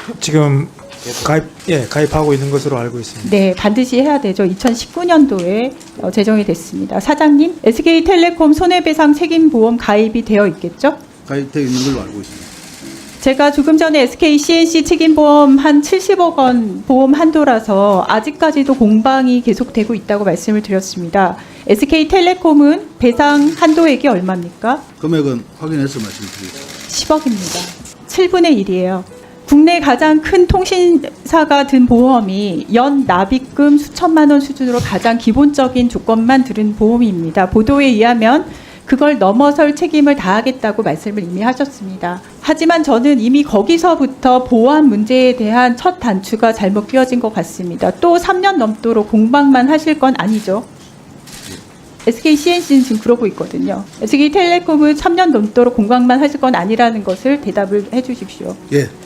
지금 가입하고 있는 것으로 알고 있습니다. 네, 반드시 해야 되죠. 2019년도에 제정이 됐습니다. 사장님, SK텔레콤 손해배상 책임보험 가입이 되어 있겠죠? 가입되어 있는 걸로 알고 있습니다. 제가 조금 전에 SK CNC 책임보험 한 70억 원 보험 한도라서 아직까지도 공방이 계속되고 있다고 말씀을 드렸습니다. SK텔레콤은 배상 한도액이 얼마입니까? 금액은 확인해서 말씀드리겠습니다. 10억입니다. 7분의 1이에요. 국내 가장 큰 통신사가 든 보험이 연 납입금 수천만 원 수준으로 가장 기본적인 조건만 들은 보험입니다. 보도에 의하면 그걸 넘어설 책임을 다하겠다고 말씀을 이미 하셨습니다. 하지만 저는 이미 거기서부터 보안 문제에 대한 첫 단추가 잘못 끼워진 것 같습니다. 또 3년 넘도록 공방만 하실 건 아니죠? SK CNC는 지금 그러고 있거든요. SK텔레콤은 3년 넘도록 공방만 하실 건 아니라는 것을 대답을 해 주십시오. 예,